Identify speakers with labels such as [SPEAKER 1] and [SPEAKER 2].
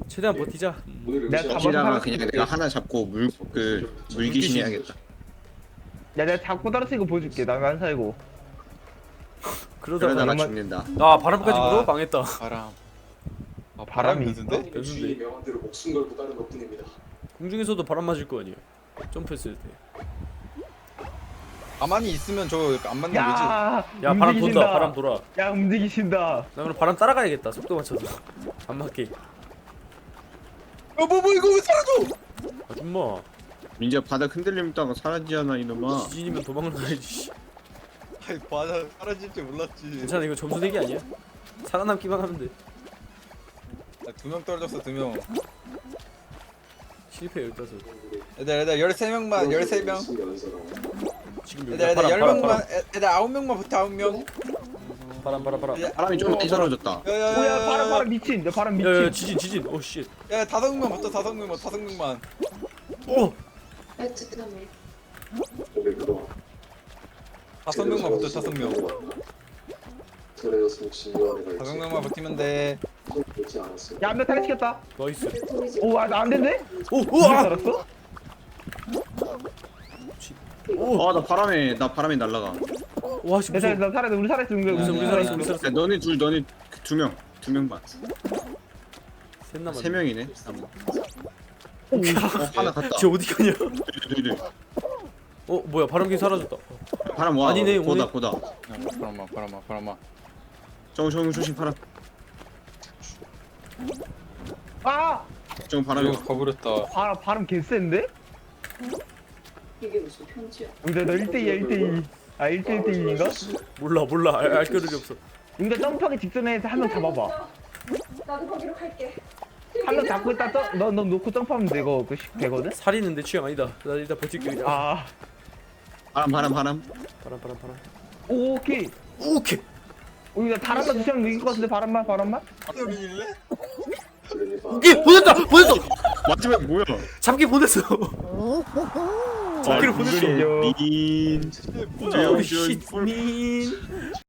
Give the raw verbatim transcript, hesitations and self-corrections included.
[SPEAKER 1] 최대한 버티자.
[SPEAKER 2] 내가 잡아서
[SPEAKER 3] 지라가
[SPEAKER 2] 살았-
[SPEAKER 3] 그냥 내가 하나 잡고 물 그 물귀신 해야겠다.
[SPEAKER 2] 야 내가 잡고 떨어뜨린 거 보여줄게. 나 안 살고.
[SPEAKER 1] 그러다가
[SPEAKER 3] 그러다가
[SPEAKER 2] 정말-
[SPEAKER 3] 죽는다.
[SPEAKER 1] 아 바람까지
[SPEAKER 4] 아.
[SPEAKER 1] 불어? 망했다.
[SPEAKER 4] 바람. 아,
[SPEAKER 2] 바람이
[SPEAKER 4] 변수인데?
[SPEAKER 1] 변수인데.
[SPEAKER 5] 명한 대로 목숨 걸고 가는 것뿐입니다.
[SPEAKER 1] 공중에서도 바람 맞을 거 아니야. 점프했을 때.
[SPEAKER 4] 가만히 있으면 저 안 맞는 거지.
[SPEAKER 2] 야,
[SPEAKER 1] 야 바람
[SPEAKER 2] 움직이신다.
[SPEAKER 1] 돈다. 바람 돌아.
[SPEAKER 2] 야 움직이신다.
[SPEAKER 1] 나 그럼 바람 따라가야겠다. 속도 맞춰서. 안 맞게.
[SPEAKER 4] 어, 뭐, 뭐, 이거 왜 사라져?
[SPEAKER 1] 아 좀마.
[SPEAKER 3] 민지야 바닥 흔들림 따가 사라지잖아 이놈아.
[SPEAKER 1] 지진이면 도망을 가야지.
[SPEAKER 4] 아이, 바다 사라질 줄 몰랐지.
[SPEAKER 1] 괜찮아 이거 점수 내기 아니야? 살아남기만 하면 돼.
[SPEAKER 4] 두 명 떨어졌어, 두 명.
[SPEAKER 1] 실패 열다섯.
[SPEAKER 4] 얘들, 얘들, 열세 명만, 열세 명.
[SPEAKER 1] 지금
[SPEAKER 4] 얘들,
[SPEAKER 1] 여기
[SPEAKER 4] 얘들,
[SPEAKER 1] 바람
[SPEAKER 4] 열
[SPEAKER 1] 바람
[SPEAKER 4] 명만,
[SPEAKER 1] 바람
[SPEAKER 4] 얘들, 아홉 명만 붙어, 아홉 명.
[SPEAKER 1] 바람 바람 바람.
[SPEAKER 4] 야,
[SPEAKER 3] 바람이 좀 많이 사라졌다.
[SPEAKER 4] 야, 야,
[SPEAKER 2] 오야 바람 바람 미친. 야 바람 미친.
[SPEAKER 1] 야야 지진 지진. 오 씨.
[SPEAKER 4] 야, 다섯 명만 붙어, 다섯 명만, 다섯 명만.
[SPEAKER 1] 오.
[SPEAKER 6] 베트남에
[SPEAKER 5] 근데 그동안
[SPEAKER 4] 다섯 명만 붙어, 다섯 명.
[SPEAKER 5] 그래서 혹시 위원회가
[SPEAKER 4] 다섯 명만 붙으면 돼.
[SPEAKER 5] 보지 않았어요.
[SPEAKER 2] 야 한 명 탈락시켰다.
[SPEAKER 1] 나이스.
[SPEAKER 6] 대통령이
[SPEAKER 2] 오안 된대?
[SPEAKER 1] 오
[SPEAKER 2] 누가
[SPEAKER 1] 우와.
[SPEAKER 2] 살았어?
[SPEAKER 1] 오.
[SPEAKER 3] 아나 바람에 나 바람에 날라가.
[SPEAKER 1] 와 씨.
[SPEAKER 2] 괜찮아
[SPEAKER 1] 무서워.
[SPEAKER 2] 나 살았어. 우리 살았어. 우리
[SPEAKER 1] 우리
[SPEAKER 2] 우리
[SPEAKER 1] 우리 살았어 우리 살았어.
[SPEAKER 3] 야, 너네 둘 너네 두 명. 두 명만.
[SPEAKER 1] 셋 남았네.
[SPEAKER 3] 세 명이네.
[SPEAKER 2] 오.
[SPEAKER 3] 어, 하나 갔다.
[SPEAKER 1] 쟤 어디 가냐?
[SPEAKER 3] 둘둘.
[SPEAKER 1] 어 뭐야 바람기 사라졌다.
[SPEAKER 3] 바람 와.
[SPEAKER 1] 아니네,
[SPEAKER 3] 고다
[SPEAKER 1] 오늘-
[SPEAKER 3] 고다.
[SPEAKER 4] 야, 바람아, 바람아, 바람아.
[SPEAKER 3] 정우 정우 조심 바람.
[SPEAKER 2] 아
[SPEAKER 3] 정우 바람이.
[SPEAKER 4] 이거 가버렸다.
[SPEAKER 2] 바람 바람 개센데?
[SPEAKER 6] 이게 무슨 편지야?
[SPEAKER 2] 근데 너 일 대 이야 일 대 이. 아 일 대 일 대 이인가?
[SPEAKER 1] 몰라 몰라 알, 알 겨를이 없어.
[SPEAKER 2] 근데 점프하기 직전에 한 명 잡아봐.
[SPEAKER 6] 나도 거기로 갈게.
[SPEAKER 2] 한 명 잡고 있다 점, 너, 너 놓고 점프하면 되고 그 시- 되거든?
[SPEAKER 1] 살이는 내 취향 아니다. 나 일단 버틸게 그냥.
[SPEAKER 2] 아
[SPEAKER 3] 바람 바람 바람.
[SPEAKER 1] 바람 바람 바람.
[SPEAKER 2] 오케이.
[SPEAKER 1] 오케이.
[SPEAKER 2] 오 이거 바람만 두시면 이길 것 같은데 바람만 바람만?
[SPEAKER 4] 소리일래?
[SPEAKER 5] 그러니까
[SPEAKER 1] 오케이 보냈다 보냈어.
[SPEAKER 3] 마지막 뭐야?
[SPEAKER 1] 잡기 보냈어. 잡기를 보냈어.
[SPEAKER 2] 이거죠.
[SPEAKER 3] 민.
[SPEAKER 1] 아, 우리 쉿민.